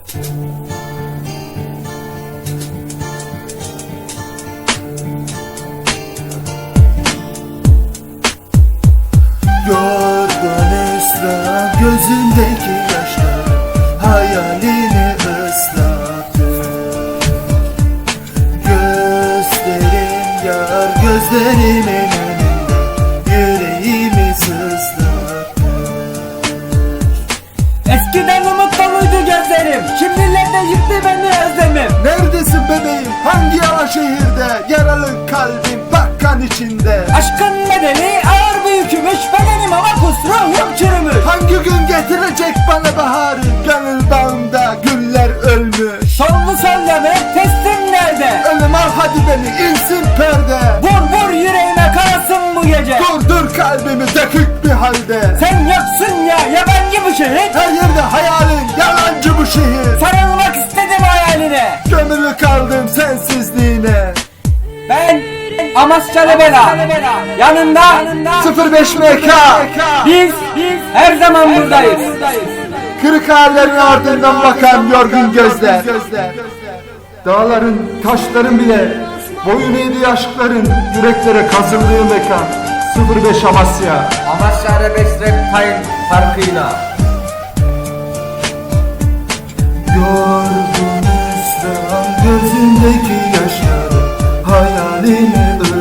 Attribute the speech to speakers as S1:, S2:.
S1: Yorgun ısrar gözündeki yaşlar hayalini ıslattı. Gözlerin yar gözlerimin önünde yüreğimi sızlattı.
S2: Eskiden umut doluydu gözlerim, şimdilerde yıktı beni özlemim.
S1: Neredesin bebeğim, hangi yalan şehirde, yaralı kalbim bakkan içinde.
S2: Aşkın bedeli ağır bir yükümüş, bedenim ama ruhum çürümüş.
S1: Hangi gün getirecek bana baharı, gönül bağımda güller ölmüş.
S2: Sollu sollama teslim nerede?
S1: Ölüm al hadi beni, insin perde.
S2: Vur yüreğime kanasın bu gece.
S1: Dur kalbimi dökük bir halde.
S2: Sen yoksun ya, yabancı bu şehir.
S1: Her yerde hayalin, yalancı bu şehir.
S2: Sarılmak istedim hayaline.
S1: Gömülü kaldım sensizliğine.
S2: Ben Amasyalı Bela, yanında
S1: 05 MK.
S2: biz her zaman buradayız.
S1: Kırık hayallerin ardından bakan yorgun gözler. Dağların, taşların bile boyun eğdiği aşkların yüreklere kazındığı mekan. 05 Amasya.
S2: Amasya Arabesk Rap Time farkıyla.
S1: Yorgun ısrar gözündeki yaşları hayalini